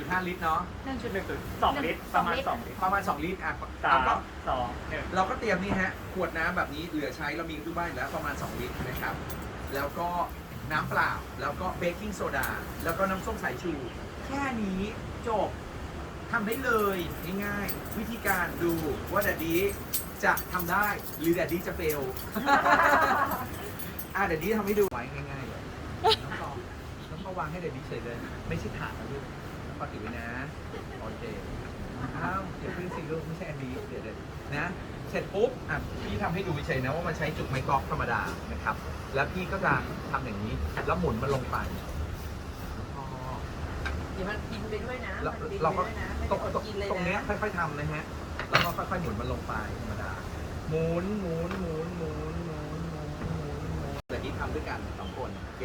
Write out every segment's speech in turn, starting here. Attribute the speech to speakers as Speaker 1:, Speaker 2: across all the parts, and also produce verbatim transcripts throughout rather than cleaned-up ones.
Speaker 1: จุดห้า ลิตรเนาะ
Speaker 2: หนึ่งจุดหนึ่งสองลิตรประมาณสองลิตร
Speaker 1: ประมาณสองลิตรอ่ะ
Speaker 2: สาม
Speaker 1: แล้วก็
Speaker 2: สองหนึ่ง
Speaker 1: เราก็เตรียมนี่ฮะขวดน้ำแบบนี้เหลือใช้เรามีทุกบ้านอยู่แล้วประมาณสองลิตรนะครับแล้วก็น้ำเปล่าแล้วก็เบกกิ้งโซดาแล้วก็น้ำส้มสายชูแค่นี้จบทำได้เลยง่ายๆวิธีการดูว่าแดดดี้จะทำได้หรือแดดดี้จะเฟล อ่ะแดดดี้ทำให้ดูไว้ง่ายๆเลยน้องปอน้องปอวางให้แดดดี้เฉยเลยไม่ใช่ถาดนะลูกน้องปอถือไว้นะโอเคอ้าวเดี๋ยวขึ้นสิลูกไม่ใช่อันนี้เดี๋ยวเดี๋ยวนะเสร็จปุ๊บอ่ะพี่ทำให้ดูเฉยนะว่ามันใช้จุกไม้กอล์ฟธรรมดานะครับแล้วพี่ก็จะทำอย่างนี้แล้วหมุนมันลงไปพอ
Speaker 3: เดี๋ยวมันกินไปด้วยนะ
Speaker 1: เรา
Speaker 3: มันบิน
Speaker 1: เรา
Speaker 3: ไป
Speaker 1: ก็
Speaker 3: ด้วยนะไม่
Speaker 1: ตร
Speaker 3: ได้
Speaker 1: ง
Speaker 3: อดกินเลย
Speaker 1: ตรงเนี้ย
Speaker 3: นะ
Speaker 1: ค่อยๆทำนะฮะแล้วก็ค่อยๆหมุนมันลงไปธรรมดาหมุนหมุนหมุนหมุนหมุนหมุนหมุนหมุนแต่นี้ทำด้วยกันสองคนโอเค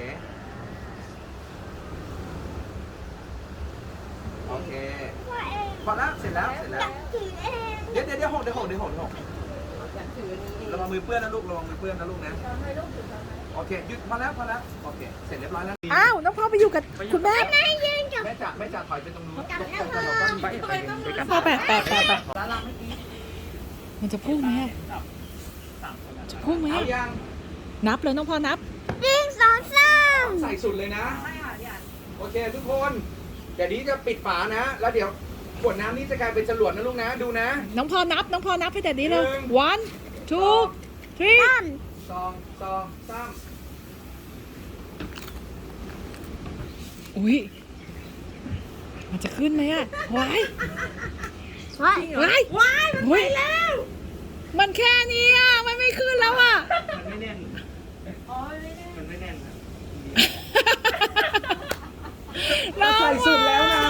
Speaker 1: โอเคพอแล้วเสร็จแล้วเสร็จแล้วเดี๋ยวเดี๋ยวเดี๋ยวหกเดี๋ยวหกเดี๋ยวหกเดี๋ยวหก
Speaker 3: อยากถืออันนี้เอง
Speaker 1: ระวังมือเปื้อนนะลูกระวังมือเปื้อนนะลูกนะ
Speaker 3: ทำให้ลูกถือทำไม
Speaker 1: โอเคหยุดพอแล้วพอแล้วโอเคเสร็จเรียบร้อยแล้ว
Speaker 4: อ้าวน้องพ่อไปอยู่กับคุณแม่
Speaker 1: แม่จ่าแม่จ่าถอยไปตรงนู้นแล้วเราก็มีไปไปไปกัน
Speaker 4: พ่อแปะแปะแปะแปะ
Speaker 3: แล้วเราไม่กิน
Speaker 4: มันจะพุ่งไหมอะ
Speaker 2: สามคนนะ
Speaker 4: จะพุ่งไหม
Speaker 1: เอา
Speaker 4: อะ
Speaker 1: ยัง
Speaker 4: นับเลยน้องพ่อนับ
Speaker 1: ใส่สุดเลยนะ
Speaker 3: ไม่ค่ะพี่อัน
Speaker 1: โอเคทุกคนเดี๋ยวนี้จะปิดฝานะ แล้วเดี๋ยวขวดน้ำนี้จะกลายเป็นจรวดนะลูกนะดูนะ
Speaker 4: น้องพ่อนับ น้องพ่อนับให้แต่นี้เลย
Speaker 1: หนึ่ง
Speaker 4: one two three
Speaker 1: สองสองสาม
Speaker 4: อุ้ยมันจะขึ้นไหมอะว้าย
Speaker 3: ว้าย
Speaker 4: ว้าย
Speaker 3: ว้าย
Speaker 4: มันไปแล้ว มันแค่นี้อะมันไม่ขึ้นแล้วอะ
Speaker 2: มันไม่แน่น
Speaker 3: อ๋อไม่ได้
Speaker 2: มันไม่แน่นนะ
Speaker 4: น้อง
Speaker 1: ใส่สุดแล้วนะ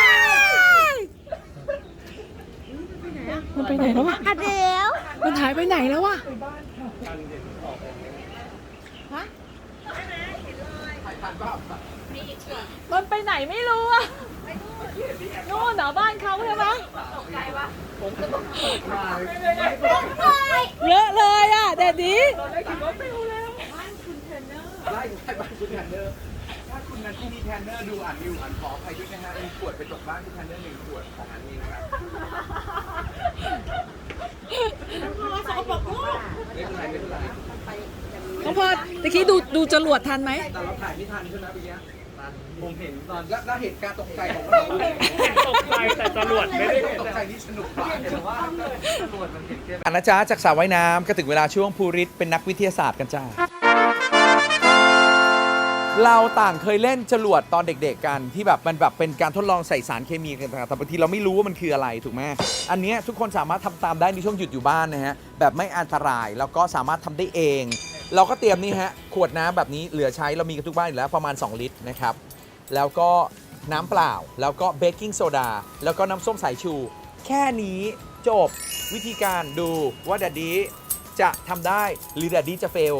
Speaker 4: มันไปไหนแล้ววะมันหายไปไหนแล้ววะ
Speaker 2: การเด็นออกไป
Speaker 4: ฮะ
Speaker 1: ถ่ายทันเปล่า
Speaker 4: มันไปไหนไม่รู้อะนู่นเหรอบ้านเขาใช่ไหม
Speaker 3: ตกใจวะ
Speaker 1: มา
Speaker 4: เยอะเลยอะแดดดี
Speaker 1: ไล่ไล่บ้านคุณแทนเนอร์ถ้าคุณนั้นที่มีแทนเนอร์ดูอ่านอยู่อ่านขออภัยด้วยนะฮะมีขวดไปตกบ้านคุณแทนเนอร์หนึ่งขวดของอันนี้นะครับไม่เป็นไรไม่เป็นไร
Speaker 4: น้องพอตะกี้ดูดูจรวดทันไหม
Speaker 1: แต่เราถ่ายไม่ทันใช่ไหมเมื่อกี้
Speaker 2: ผมเห็นตอน
Speaker 1: แล้วแล้วเหตุการณ์ตกใจของเรา
Speaker 2: เห็นตกใจแต่จรวดไม่ได้
Speaker 1: ตกใจนี่สนุกมาก
Speaker 2: เห็นว่าจรวดมันเห็นแค่
Speaker 1: อันนะจ๊ะจากสระว่ายน้ำก็ถึงเวลาช่วงภูริศเป็นนักวิทยาศาสตร์กันจ้าเราต่างเคยเล่นจรวดตอนเด็กๆกันที่แบบมันแบบเป็นการทดลองใส่สารเคมีกันแต่บางทีเราไม่รู้ว่ามันคืออะไรถูกไหมอันนี้ทุกคนสามารถทำตามได้ในช่วงหยุดอยู่บ้านนะฮะแบบไม่อันตรายแล้วก็สามารถทำได้เอง เราก็เตรียมนี่ฮะขวดน้ำแบบนี้เหลือใช้เรามีกันทุกบ้านอยู่แล้วประมาณสองลิตรนะครับแล้วก็น้ำเปล่าแล้วก็เบกกิ้งโซดาแล้วก็น้ำส้มสายชู แค่นี้จบวิธีการดูว่าแดดดี้จะทำได้หรือแดดดี้จะเฟล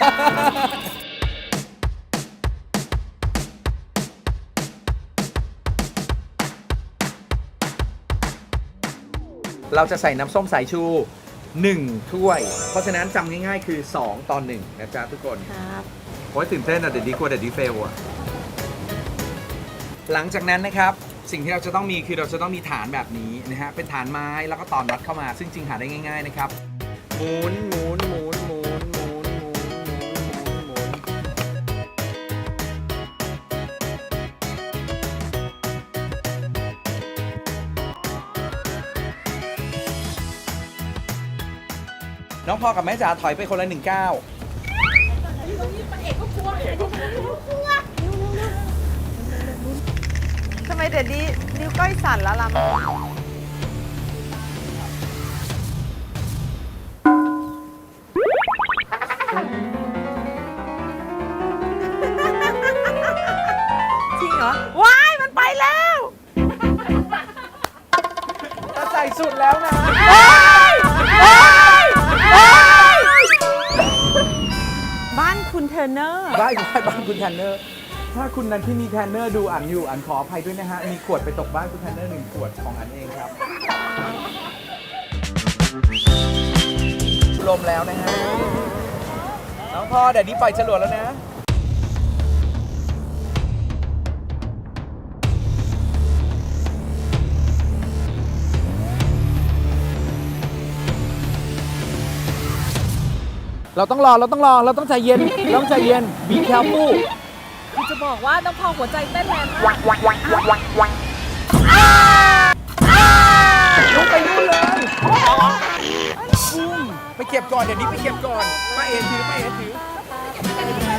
Speaker 1: เราจะใส่น้ำส้มสายชูหนึ่งถ้วย เพราะฉะนั้นจำง่ายๆคือสองต่อหนึ่งนะจ๊ะทุกคน
Speaker 4: ครับ
Speaker 1: โอ้ยตื่นเต้นอะเดี๋ยวดีกว่าเดี๋ยวดีเฟลอะหลังจากนั้นนะครับสิ่งที่เราจะต้องมีคือเราจะต้องมีฐานแบบนี้นะฮะเป็นฐานไม้แล้วก็ตอนน็อตเข้ามาซึ่งจริงหาได้ง่ายๆนะครับหมุนหมุนหมุนหมุนหมุนหมุนหมุนหมุนหมุนน้องพ่อกับแม่จ๋าถอยไปคนละหนึ่งก้าว
Speaker 3: ทำไมเด็ดดีนิ้วก้อยสั่นแล้วล่ะจริงเหรอ ว้าย มันไปแล้ว
Speaker 1: จะใส่สุดแล้วนะ
Speaker 3: บ้านคุณเทอร์เนอร์
Speaker 1: ได้ได้บ้านคุณแทนเนอร์ ถ้าคุณนันที่มีแทนเนอร์ดูอ่านอยู่อ่านขออภัยด้วยนะฮะ มีขวดไปตกบ้านคุณแทนเนอร์หนึ่งขวดของอันเองครับ ลมแล้วนะฮะ น้องพ่อเดี๋ยวนี้ปล่อยจรวดแล้วนะเราต้องรอเราต้องรอเราต้องใจเย็นเราต้องใจเย็น be careful
Speaker 4: คือจะบอกว่าน้องพอหัวใจเต้นแรงมาก
Speaker 1: ลงไปนู่นเลยปุ้มไปเก็บก่อนเดี๋ยวนี้ไปเก็บก่อนป้าเอถือป้าเอถือ